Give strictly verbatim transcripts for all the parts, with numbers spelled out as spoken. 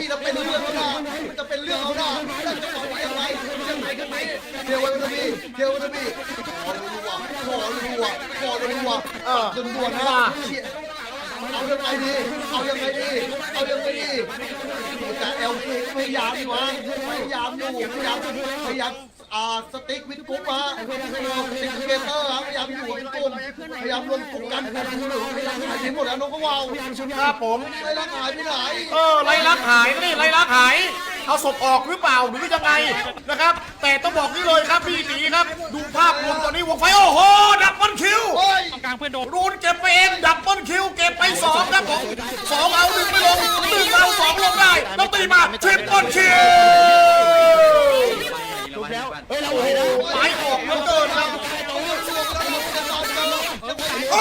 บี้แล้วเป็นเรื่องแล้วนะมันจะเป็นเรื่องแล้วนะแล้วจะต่อยังไงยังไงกันไหมเทวดาบี้เทวดาบี้ขอรัวขอรัวขอรัวเออจนด่วนนะเอายังไงดีเอายังไงดีเอายังไงดีแต่เอลเคพยายามอยู่นะพยายามอยู่พยายามพยายามอ่าสติ๊กวิดกุ๊ปมาสติ๊กเกเตอร์ครับพยายามอยู่เป็นกลุ่มพยายามรวมกลุ่มกันพยายามหายไปหมดแล้วน้องก็วาวครับผมไล่ลักหายไปไหนเออไล่ลักหายนี่ไล่ลักหายเอาศพออกหรือเปล่าหรือยังไงนะครับแต่ต้องบอกนี่เลยครับพี่ตีครับดูภาพรวมตอนนี้วงไฟโอ้โหดับเบิลคิวโอ้ยกลางเพื่อนโดนรูนเก็บไปเองดับเบิลคิวเก็บไปสองครับผมสองเอาหนึ่งไม่ลงหนึ่งเอาสองลงได้ต้องตีมาทริปเปิลคิวเฮ้ยเราเห็นนะหมายออกเหลือเกินครับโอ้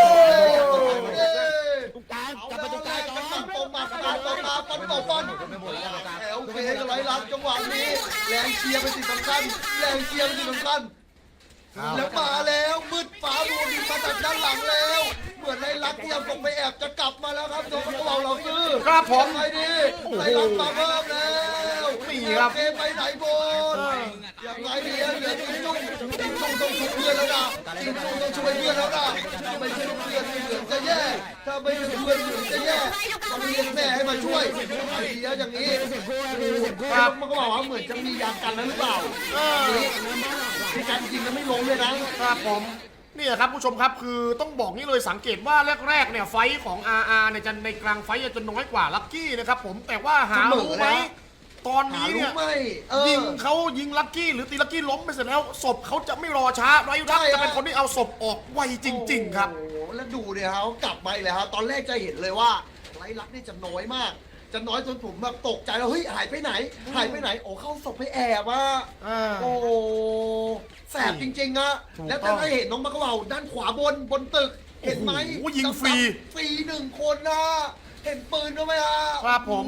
ตรงกลางเอากลับแล้มาว ตรงกลางกันต่อตรงมากันตรงมาปันต่อปันแอลเคก็ไหลลักจังหวะนี้แรงเชียร์เป็นสิ่งสำคัญแรงเชียร์เป็นสิ่งสำคัญแล้วมาแล้วมืดฟ้ามัวดินมาจากด้านหลังแล้วเหมือนไรลักที่ยังคงไปแอบจะกลับมาแล้วครับโดนกระเป๋าเราซื้อครับผมไงดีไรลักมาเพิ่มแล้วนี่ครับเกมไปไหนบนยังไงดีเหลือจิ้งจุ้งจิ้งจุ้งต้องช่วยเพื่อนแล้วนะจิ้งจุ้งต้องช่วยเพื่อนแล้วนะถ้าไม่ช่วยเพื่อนเหมือนจะแย่ถ้าไม่ช่วยเพื่อนเหมือนจะแย่ต้องเรียกแม่ให้มาช่วยไอเดียอย่างนี้ครับมันก็บอกว่าเหมือนจะมียากันแล้วหรือเปล่าที่การยิงแล้วไม่ลงเลยนะครับผมเนี่ยครับผู้ชมครับคือต้องบอกนี่เลยสังเกตว่าแรกๆเนี่ยไฟท์ของ อาร์ อาร์ เนี่ยจะในกลางไฟท์จะน้อยกว่าลัคกี้นะครับผมแต่ว่าหารู้ไหมตอนหานี้รู้เนี่ยไหมเอยิองเขายิงลัคกี้หรือตีลัคกี้ล้มไปเสร็จแล้วศพเขาจะไม่รอช้าไรรักจะเป็นคนที่เอาศพออกไวจริง ๆ ครับโอ้โหแล้วดูเนี่ยเขากลับมาอีกแล้วครับตอนแรกจะเห็นเลยว่าไรลักนี่จะน้อยมาก จะน้อยจนผมแบบตกใจแล้วเฮ้ยหายไปไหน หายไปไหนโอ้เข้าศพไปแอบอ่ะอ่าโอ้แสบจริงๆอะถูกแล้วต้จะองได้เห็นน้องมะกะเหว่าด้านขวาบนบนตึกเห็นไหมโอ้โหยิงฟรีฟรีหนึ่งคนนะเห็นปืนด้วยไหมฮะครับผมโอ้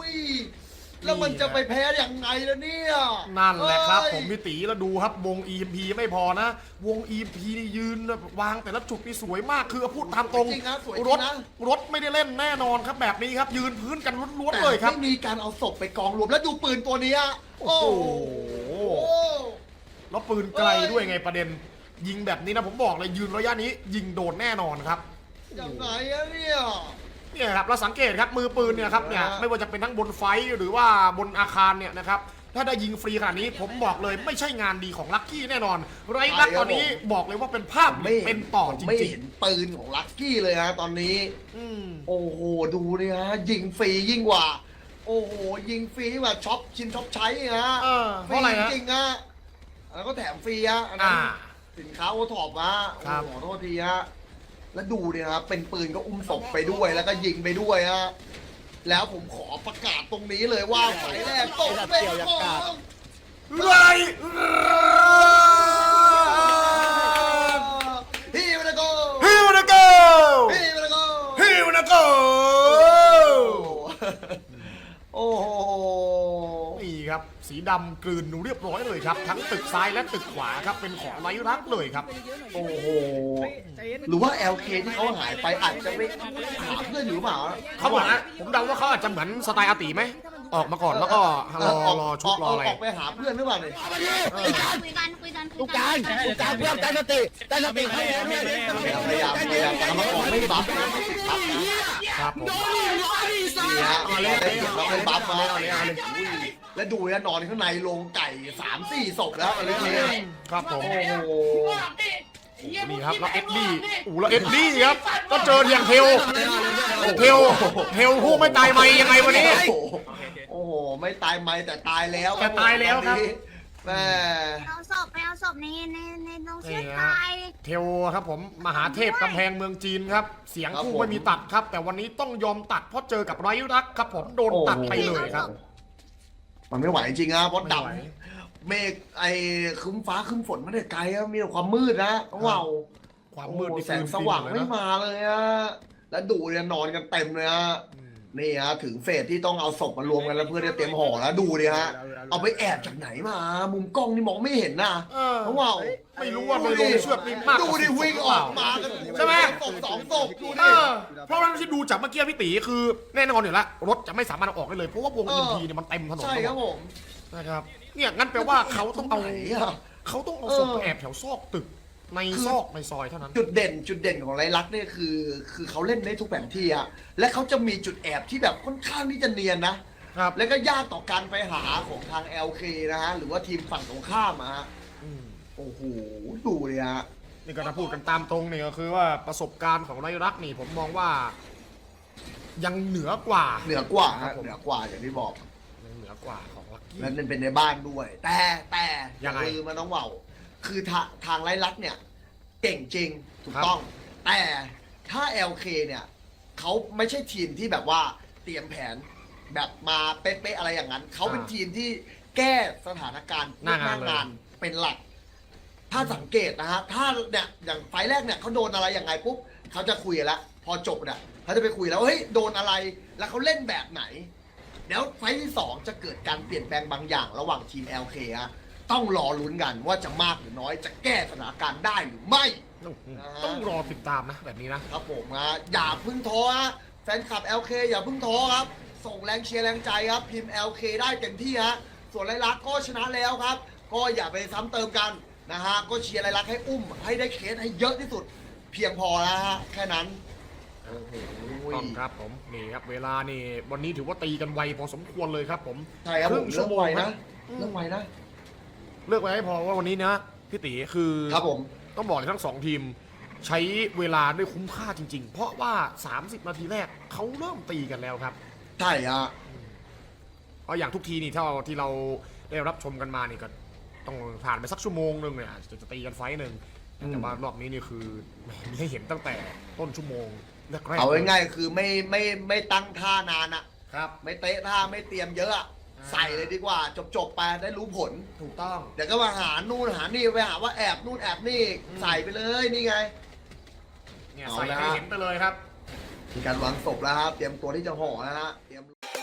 ยแล้วมันจะไปแพ้ยังไงล่ะเนี่ยนั่นแหละครับเอ้ยผมพี่ตีแล้วดูครับวง อี เอ็ม พี ไม่พอนะ วง อี เอ็ม พี นี่ยืนวางแต่ละจุดนี่สวยมากคือพูดตามตรงจริงนะสวยจรริถงนะรถไม่ได้เล่นแน่นอนครับแบบนี้ครับ ยืนพื้นกันล้วนแต่ๆเลยครับไม่มีการเอาศพไปกองรวมแล้วดูปืนตัวเนี้ยโอ้โหโอ้แล้วปืนไกลด้วยไงประเด็น ยิงแบบนี้นะผมบอกเลยยืนระยะนี้ ยิงโดนแน่นอนครับยังไงอะเนี่ยเนี่ยครับเราสังเกตครับมือปืนเนี่ยครับเนี่ยไม่ว่าจะเป็นทั้งบนไฟหรือว่าบนอาคารเนี่ยนะครับถ้าได้ยิงฟรีขนาดนี้ผมบอกเลยไม่ใช่งานดีของลัคกี้แน่นอนไรลักตอนนี้บอกเลยว่าเป็นภาพไม่เป็นต่อจไม่ริงเห็นปืนของลักกี้เลยฮะตอนนี้ๆอืมโอ้โหดูเนี่ยฮะยิงฟรียิ่งกว่า โอ้โหยิงฟรีกว่าช็อปชินช็อปใช้ฮะเออเพราะอะไรฮะจริงๆฮะแล้วก็แถมฟรีฮะอันนั้นอ่าสินค้าโอท็อปฮะโอ้ครับโหขอโทษทีฮะแล้วดูเนี่ยครับเป็นปืนก็อุ้มศพไปด้วยแล้วก็ยิงไปด้วยฮะแล้วผมขอประกาศตรงนี้เลยว่าไฟแรกตกเป็นของไรพี่มันโกฮิวนาโกพี่มันโกฮิวนาโกโอ้โหนี่ครับสีดำกลืนเรียบร้อยเลยครับทั้งตึกซ้ายและตึกขวาครับเป็นของไรรักเลยครับโอ้โหหรือว่า แอล เค ที่เขาหายไปอาจจะไม่หาเพื่อนอยู่หรือเปล่าเขาบอกนะผมเดาว่าเขาอาจจะเหมือนสไตล์อาติไหมออกมาก่อนแล้วก็รอรอชุดรออะไรออกไปหาเพื่อนหรือเปล่าเนี่ยคุยกันคุยกันคุยกันลูกการลูกการเพื่อนตั้งสติตั้งสติให้พยายามพยายามตามมาก่อนไม่บัฟนะไม่ติดบัฟนะครับผมนี่ฮะได้เก็บแล้วไม่บัฟมาแล้วดูนะนอนข้างในโรงไก่สามสี่ศพแล้วอะไรเนี่ยครับผมโอ้โหนี่ครับแล้วเอ็ดดี้อู้แล้วเอ็ดดี้ครับก็เจอเทียงเทลเทลเทลผู้ไม่ตายไหมยังไงวันนี้โอ้โหไม่ตายไม่แต่ตายแล้วแต่ตายแล้วครับแม่เอาศพไปเอาศพในในในตรงเชือกตายเทลครับผมมหาเทพกำแพงเมืองจีนครับเสียงคู่ไม่มีตัดครับ แต่วันนี้ต้องยอมตัดเพราะเจอกับไรรักครับผมโดนตัดไปเลยครับมันไม่ไหวจริงนะเพราะไม่ดไหวำเมฆไอ้ครึ้มฟ้าครึ้มฝนมันเด็ไกลอะมีแต่ความมืดนะว้าวความมืดโอ้นี่แสงสว่างไม่มามาเลยอะแล้วดูเนี่ยนอนกันเต็มเลยฮะนี่ฮะถึงเฟสที่ต้องเอาศพมารวมกันแล้วเพื่อจะเตรียมห่อแล้วดูดิฮะเอาไปแอบจากไหนมา มุมกล้องนี่มองไม่เห็นนะเออว้าวไม่รู้ว่าในโรงเชือกนี่มากกดูว่าดิสิบวิ่งหรือเปอล่ากมากันใช่ไหมศพสองศพดูเอดิอเพราะว่าที่ดูจากเมื่อกี้พี่ตีคือแน่นอนอยู่แล้วรถจะไม่สามารถเอาออกได้เลยเพราะว่าวงเออิอนทีเนี่ยมันเต็มถนนใช่ครับผมนะครับเนี่ยงั้นแปลว่าเขาต้องเอาไหนอะเขาต้องเอาเออศพไปแอบแถวซอกตึกในซอกในซอยเท่านั้นจุดเด่นจุดเด่นของไรลักษณ์เนี่ยคือ คือเขาเล่นได้ทุกแผนที่อะและเขาจะมีจุดแอบที่แบบค่อนข้างที่จะเนียนนะครับแล้วก็ยากต่อการไปหาของทาง แอล เค นะฮะ หรือว่าทีมฝั่งตรงข้ามอะฮะอืมโอ้โห ดูเลยฮะนี่ก็ถ้าพูดกันตามตรงเนี่ยก็คือว่าประสบการณ์ของไรรักนี่ผมมองว่า ยังเหนือกว่าเหนือกว่าครัฮะบผมเหนือกว่าอย่างที่บอกยังเหนือกว่าของลักกี้และนั่นเป็นในบ้านด้วย แต่แต่ยังไงคือมันต้องเว่าคือทาทางไรลักษณ์เนี่ย เก่งจริง ถูกครับต้อง แต่ถ้า แอล เค เนี่ยเขาไม่ใช่ทีมที่แบบว่าเตรียมแผนแบบมาเป๊ะๆอะไรอย่างนั้น เขาเป็นทีมที่แก้สถานการณ์หน้างานเลยงานเป็นหลัก ถ้าสังเกตนะฮะ ถ้าเนี่ยอย่างไฟล์แรกเนี่ยเขาโดนอะไรอย่างไงปุ๊บเขาจะคุยกันแล้ว พอจบเนี่ยเขาจะไปคุยแล้วเฮ้ยโดนอะไร แล้วเขาเล่นแบบไหน เดี๋ยวไฟล์ที่สองจะเกิดการเปลี่ยนแปลงบางอย่างระหว่างทีม แอล เค ฮะ ต้องรอลุ้นกันว่าจะมากหรือน้อย จะแก้สถานการณ์ได้หรือไม่ต้องรอติดตามนะแบบนี้นะครับผมฮะอย่าเพึ่งท้อฮะแฟนคลับ แอล เค อย่าเพึ่งท้อครับ ส่งแรงเชียร์แรงใจครับ พิมพ์ แอล เค ได้เต็มที่ฮะส่วนไรลักษณ์ก็ชนะแล้วครับ ก็อย่าไปซ้ำเติมกันนะฮะก็เชียร์ไรลักษณ์ให้อุ้มให้ได้เคสให้เยอะที่สุด เพียงพอแล้วฮะแค่นั้นโอ้โหต้องครับผมนี่ครับเวลานี่วันนี้ถือว่าตีกันไวพอสมควรเลยครับผมใช่ครับผมงเรื่องไวนะอืมเรื่องไวนะเลือกไว้ให้พอว่าวันนี้นะพี่ตีคือครับผมต้องบอกเลยทั้งสองทีม ใช้เวลาได้คุ้มค่าจริง ๆ เพราะว่า สามสิบ นาทีแรกเขาเริ่มตีกันแล้วครับใช่ฮะเพราะอย่างทุกทีนี่ถ้าที่เราได้รับชมกันมานี่ก็ต้องผ่านไปสักชั่วโมงหนึ่งเนี่ยจะจะตีกันไฟต์หนึ่งแต่ว่ารอบนี้นี่คือมีให้เห็นตั้งแต่ต้นชั่วโมงแรกๆเอาง่ายๆคือไม่ไม่ไม่ตั้งท่านานอะครับไม่เตะท่าไม่เตรียมเยอะอะอ่าใส่เลยดีกว่า จบๆไปได้รู้ผลถูกต้องเดี๋ยวก็มาหานู่นหานี่ไปหาว่าแอบนู่นแอบนี่อืมใส่ไปเลยนี่ไงเนี่ยเอาใส่ละให้เห็นไปเลยครับมีการวางศพแล้วครับเตรียมตัวที่จะห่อนะฮะเตรียม